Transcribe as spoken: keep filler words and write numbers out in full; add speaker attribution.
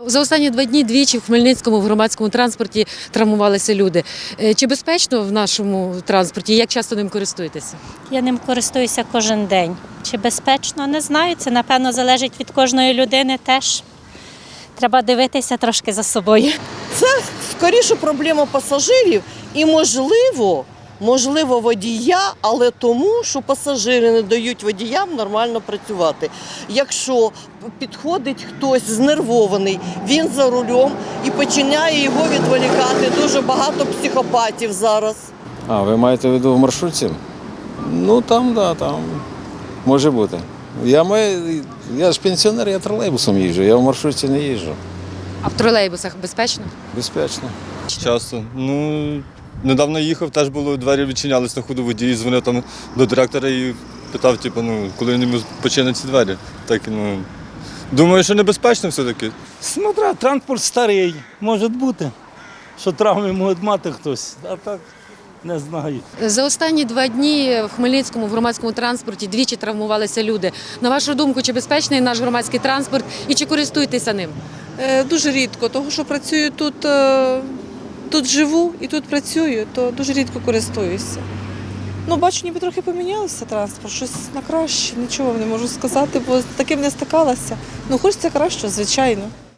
Speaker 1: За останні два дні двічі в Хмельницькому в громадському транспорті травмувалися люди. Е, Чи безпечно в нашому транспорті? Як часто ним користуєтеся?
Speaker 2: Я ним користуюся кожен день. Чи безпечно? Не знаю. Це, напевно, залежить від кожної людини теж. Треба дивитися трошки за собою.
Speaker 3: Це скоріше проблема пасажирів і, можливо, можливо, водія, але тому, що пасажири не дають водіям нормально працювати. Якщо підходить хтось знервований, він за рулем і починає його відволікати. Дуже багато психопатів зараз.
Speaker 4: А, ви маєте в виду в маршрутці? Ну там, да, там може бути. Я маю, я ж пенсіонер, я тролейбусом їжджу, я в маршрутці не їжджу.
Speaker 1: А в тролейбусах безпечно?
Speaker 4: Безпечно.
Speaker 5: Часто. Ну, недавно їхав, теж було, двері відчинялись на ходу, водій дзвонив там до директора і питав, типу, ну, коли він йому починять ці двері. Так, ну, думаю, що небезпечно все-таки.
Speaker 6: Смотря, транспорт старий, може бути, що травми може мати хтось, а так не знаю.
Speaker 1: За останні два дні в Хмельницькому в громадському транспорті двічі травмувалися люди. На вашу думку, чи безпечний наш громадський транспорт і чи користуєтеся ним?
Speaker 7: Е, Дуже рідко, тому що працюю тут, е, тут живу і тут працюю, то дуже рідко користуюся. Ну, бачу, ніби трохи помінялося транспорт, щось на краще, нічого не можу сказати, бо з таким не стикалася. Ну, хочеться краще, звичайно.